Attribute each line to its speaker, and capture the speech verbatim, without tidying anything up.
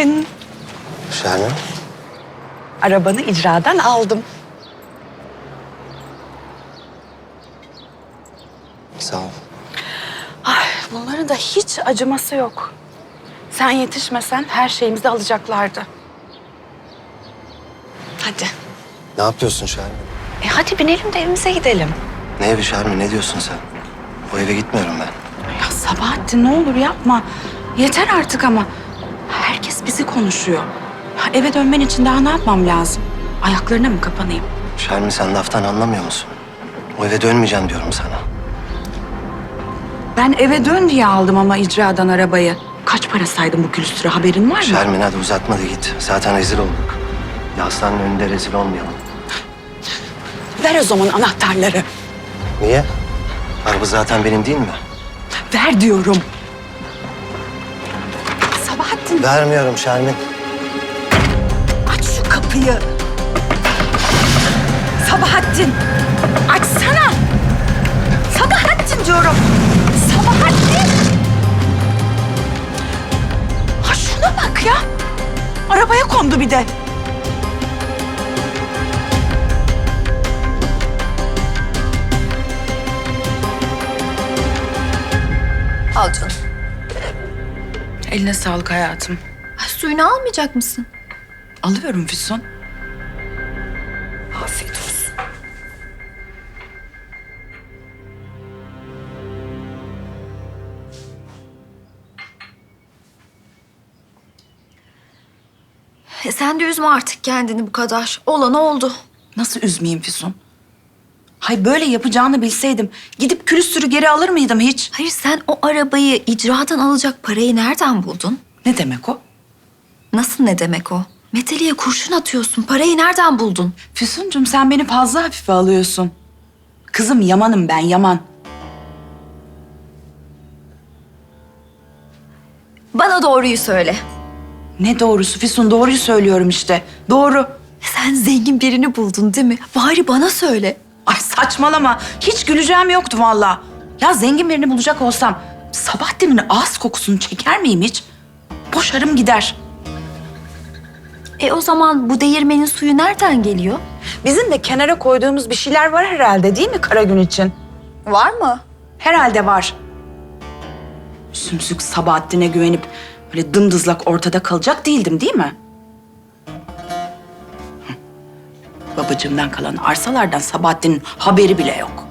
Speaker 1: Sabahattin.
Speaker 2: Şermin.
Speaker 1: Arabanı icradan aldım.
Speaker 2: Sağ ol.
Speaker 1: Ay, bunların da hiç acıması yok. Sen yetişmesen her şeyimizi alacaklardı. Hadi.
Speaker 2: Ne yapıyorsun Şermin?
Speaker 1: E hadi binelim de evimize gidelim.
Speaker 2: Ne evi Şermin? Ne diyorsun sen? O eve gitmiyorum ben.
Speaker 1: Ya Sabahattin ne olur yapma. Yeter artık ama. Herkes bizi konuşuyor. Ya eve dönmen için daha ne yapmam lazım? Ayaklarına mı kapanayım?
Speaker 2: Şermin sen laftan anlamıyor musun? O eve dönmeyeceğim diyorum sana.
Speaker 1: Ben eve dön diye aldım ama icradan arabayı. Kaç para saydım bu külüstüre, haberin var mı?
Speaker 2: Şermin hadi uzatma da git. Zaten rezil olduk. Ya hastanın önünde rezil olmayalım.
Speaker 1: Ver o zaman anahtarları.
Speaker 2: Niye? Araba zaten benim değil mi?
Speaker 1: Ver diyorum. Sabahattin
Speaker 2: Vermiyorum Şermin.
Speaker 1: aç şu kapıyı. Sabahattin açsana. Sabahattin diyorum. Sabahattin. Ha şuna bak ya. Arabaya kondu bir de.
Speaker 3: Al canım.
Speaker 1: Eline sağlık hayatım.
Speaker 3: Ay, suyunu almayacak mısın?
Speaker 1: Alıyorum Füsun.
Speaker 3: Afiyet olsun. E sen de üzme artık kendini bu kadar. Olan oldu.
Speaker 1: Nasıl üzmeyeyim Füsun? Hay böyle yapacağını bilseydim gidip külüstürü geri alır mıydım hiç?
Speaker 3: Hayır, sen o arabayı icradan alacak parayı nereden buldun?
Speaker 1: Ne demek o?
Speaker 3: Nasıl ne demek o? Meteliğe kurşun atıyorsun. Parayı nereden buldun?
Speaker 1: Füsuncum sen beni fazla hafife alıyorsun. Kızım Yaman'ım ben Yaman.
Speaker 3: Bana doğruyu söyle.
Speaker 1: Ne doğrusu Füsun, doğruyu söylüyorum işte. Doğru.
Speaker 3: Sen zengin birini buldun değil mi? Bari bana söyle.
Speaker 1: Ay saçmalama. Hiç güleceğim yoktu vallahi. Ya zengin birini bulacak olsam Sabahattin'in ağız kokusunu çeker miyim hiç? Boşarım gider.
Speaker 3: E o zaman bu değirmenin suyu nereden geliyor?
Speaker 1: Bizim de kenara koyduğumuz bir şeyler var herhalde değil mi kara gün için?
Speaker 3: Var mı?
Speaker 1: Herhalde var. Sümsük Sabahattin'e güvenip böyle dımdızlak ortada kalacak değildim değil mi? Hı. Babacığımdan kalan arsalardan Sabahattin'in haberi bile yok.